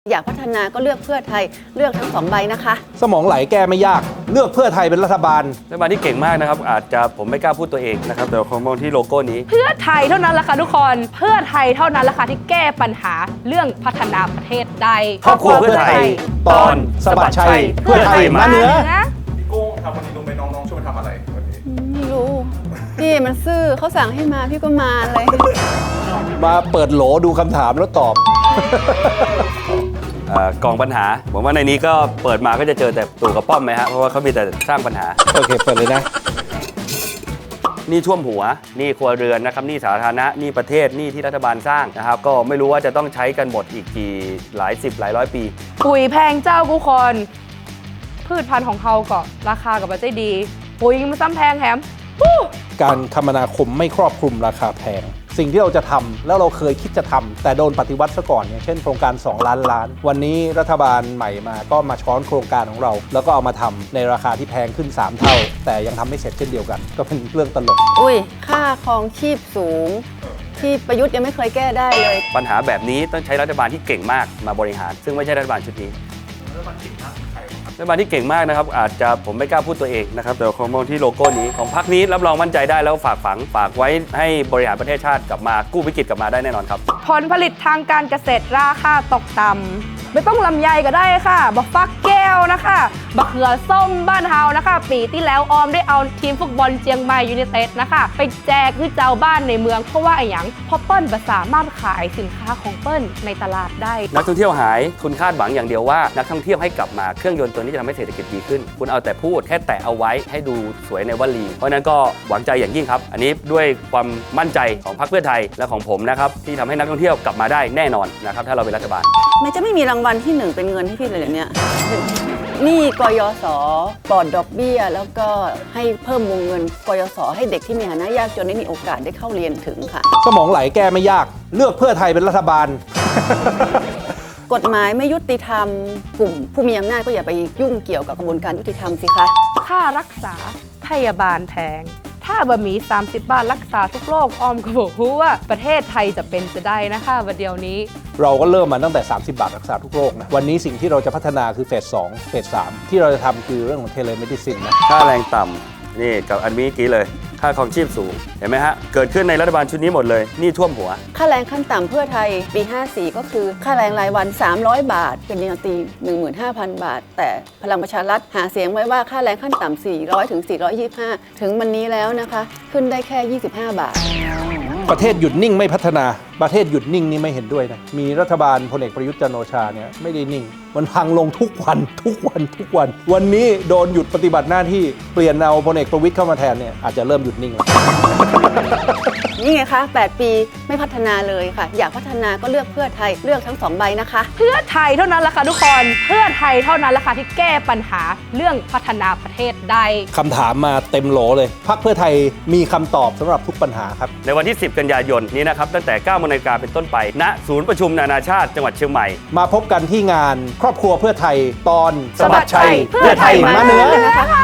อยากพัฒนาก็เลือกเพื่อไทยเลือกทั้ง2 ใบนะคะสมองไหลแก้ไม่ยากเลือกเพื่อไทยเป็นรัฐบาลที่เก่งมากนะครับอาจจะผมไม่กล้าพูดตัวเองนะครับแต่ผมมองที่โลโก้นี้เพื่อไทยเท่านั้นแหละค่ะทุกคนเพื่อไทยเท่านั้นแหละค่ะที่แก้ปัญหาเรื่องพัฒนาประเทศได้ครอบครัวเพื่อไทยตอนสะบัดชัยเพื่อไทยมาเหนือพี่กุ้งครับวันนี้รู้ไหมน้องๆช่วยมาทำอะไรวันนี้ไม่รู้พี่มันซื่อเขาสั่งให้มาพี่ก็มาเลยมาเปิดโหลดูคำถามแล้วตอบกองปัญหาผมว่าในนี้ก็เปิดมาก็จะเจอแต่ตู่กับป้อมไหมฮะเพราะว่าเขามีแต่สร้างปัญหาโอเคเปิดเลยนะนี่ท่วมหัวนี่ครัวเรือนนะครับนี่สาธารณะนี่ประเทศนี่ที่รัฐบาลสร้างนะครับก็ไม่รู้ว่าจะต้องใช้กันหมดอีกกี่หลายสิบหลายร้อยปีปุ๋ยแพงเจ้าทุกคนพืชพันธุ์ของเขาก็ราคากับปัจจัยดีปุ๋ยมันซ้ำแพงแถมการคมนาคมไม่ครอบคลุมราคาแพงสิ่งที่เราจะทำแล้วเราเคยคิดจะทำแต่โดนปฏิวัติซะก่อนอย่างเช่นโครงการ2 ล้านล้านวันนี้รัฐบาลใหม่มาก็มาช้อนโครงการของเราแล้วก็เอามาทำในราคาที่แพงขึ้น3 เท่าแต่ยังทำไม่เสร็จเช่นเดียวกันก็เป็นเรื่องตลกอุ้ยค่าครองชีพสูงที่ประยุทธ์ยังไม่เคยแก้ได้เลยปัญหาแบบนี้ต้องใช้รัฐบาลที่เก่งมากมาบริหารซึ่งไม่ใช่รัฐบาลชุดนี้รัฐบาลที่เก่งมากนะครับอาจจะผมไม่กล้าพูดตัวเองนะครับแต่ผมมองที่โลโก้นี้ของพรรคนี้รับรองมั่นใจได้แล้วฝากไว้ให้บริหารประเทศชาติกลับมากู้วิกฤตกลับมาได้แน่นอนครับผลผลิตทางการเกษตรราคาตกต่ำไม่ต้องลำไยก็ได้ค่ะบักฟักแก้วนะคะบักเขือส้มบ้านเฮานะคะปีที่แล้วออมได้เอาทีมฟุตบอลเชียงใหม่ยูไนเต็ดนะคะไปแจกคือเจ้าบ้านในเมืองเพราะว่าไอ้หยังเพราะเปิ้ลสามารถขายสินค้าของเปิ้ลในตลาดได้นักท่องเที่ยวหายคุณคาดหวังอย่างเดียวว่านักท่องเที่ยวให้กลับมาเครื่องยนต์ตัวนี้จะทำให้เศรษฐกิจดีขึ้นคุณเอาแต่พูดแค่แตะเอาไว้ให้ดูสวยในวลีเพราะนั้นก็หวังใจอย่างยิ่งครับอันนี้ด้วยความมั่นใจของพรรคเพื่อไทยและของผมนะครับที่ทำให้นักท่องเที่ยวกลับมาได้แน่นอนนะครับถ้าเราเป็นรัฐบาลไม่จะไม่มีรางวัลที่1เป็นเงินให้พี่เลยเนี่ยนี่กยศปลอดดอกเบี้ยแล้วก็ให้เพิ่มวงเงินกยศให้เด็กที่มีฐานะยากจนได้มีโอกาสได้เข้าเรียนถึงค่ะสมองไหลแก้ไม่ยากเลือกเพื่อไทยเป็นรัฐบาลกฎหมายไม่ยุติธรรมกลุ่มผู้มีอำนาจก็อย่าไปยุ่งเกี่ยวกับกระบวนการยุติธรรมสิคะค่ารักษาพยาบาลแพงถ้าบะหมี่30 บาทรักษาทุกโรคออมก็บอกว่าประเทศไทยจะเป็นจะได้นะคะวันเดียวนี้เราก็เริ่มมาตั้งแต่30 บาทรักษาทุกโรคนะวันนี้สิ่งที่เราจะพัฒนาคือเฟส2เฟส3ที่เราจะทำคือเรื่องของเทเลเมดิซินนะค่าแรงต่ำนี่กับอันนี้กี้เลยค่าครองชีพสูงเห็นไหมฮะเกิดขึ้นในรัฐบาลชุดนี้หมดเลยนี่ท่วมหัวค่าแรงขั้นต่ำเพื่อไทยปี54ก็คือค่าแรงรายวัน300 บาทเป็นปริญญาตรี 15,000 บาทแต่พลังประชารัฐหาเสียงไว้ว่าค่าแรงขั้นต่ำ400 ถึง 425ถึงวันนี้แล้วนะคะขึ้นได้แค่25 บาทประเทศหยุดนิ่งไม่พัฒนาประเทศหยุดนิ่งนี่ไม่เห็นด้วยนะมีรัฐบาลพลเอกประยุทธ์จันทร์โอชาเนี่ยไม่ได้นิ่งมันพังลงทุกวันวันนี้โดนหยุดปฏิบัติหน้าที่เปลี่ยนเอาพลเอกประวิตรเข้ามาแทนเนี่ยอาจจะเริ่มหยุดนิ่งแล้วนี่ไงคะ8 ปีไม่พัฒนาเลยค่ะอยากพัฒนาก็เลือกเพื่อไทยเลือกทั้ง2 ใบนะคะเพื่อไทยเท่านั้นแหละค่ะทุกคนเพื่อไทยเท่านั้นแหละค่ะที่แก้ปัญหาเรื่องพัฒนาประเทศได้คำถามมาเต็มโหลเลยพรรคเพื่อไทยมีคำตอบสำหรับทุกปัญหาครับในวันที่10 กันยายนนี้นะครับตั้งแต่ 9 นาฬิกาเป็นต้นไปณศูนย์ประชุมนานาชาติจังหวัดเชียงใหม่มาพบกันที่งานครอบครัวเพื่อไทยตอนสะบัดชัยเพื่อไทยมาเหนือ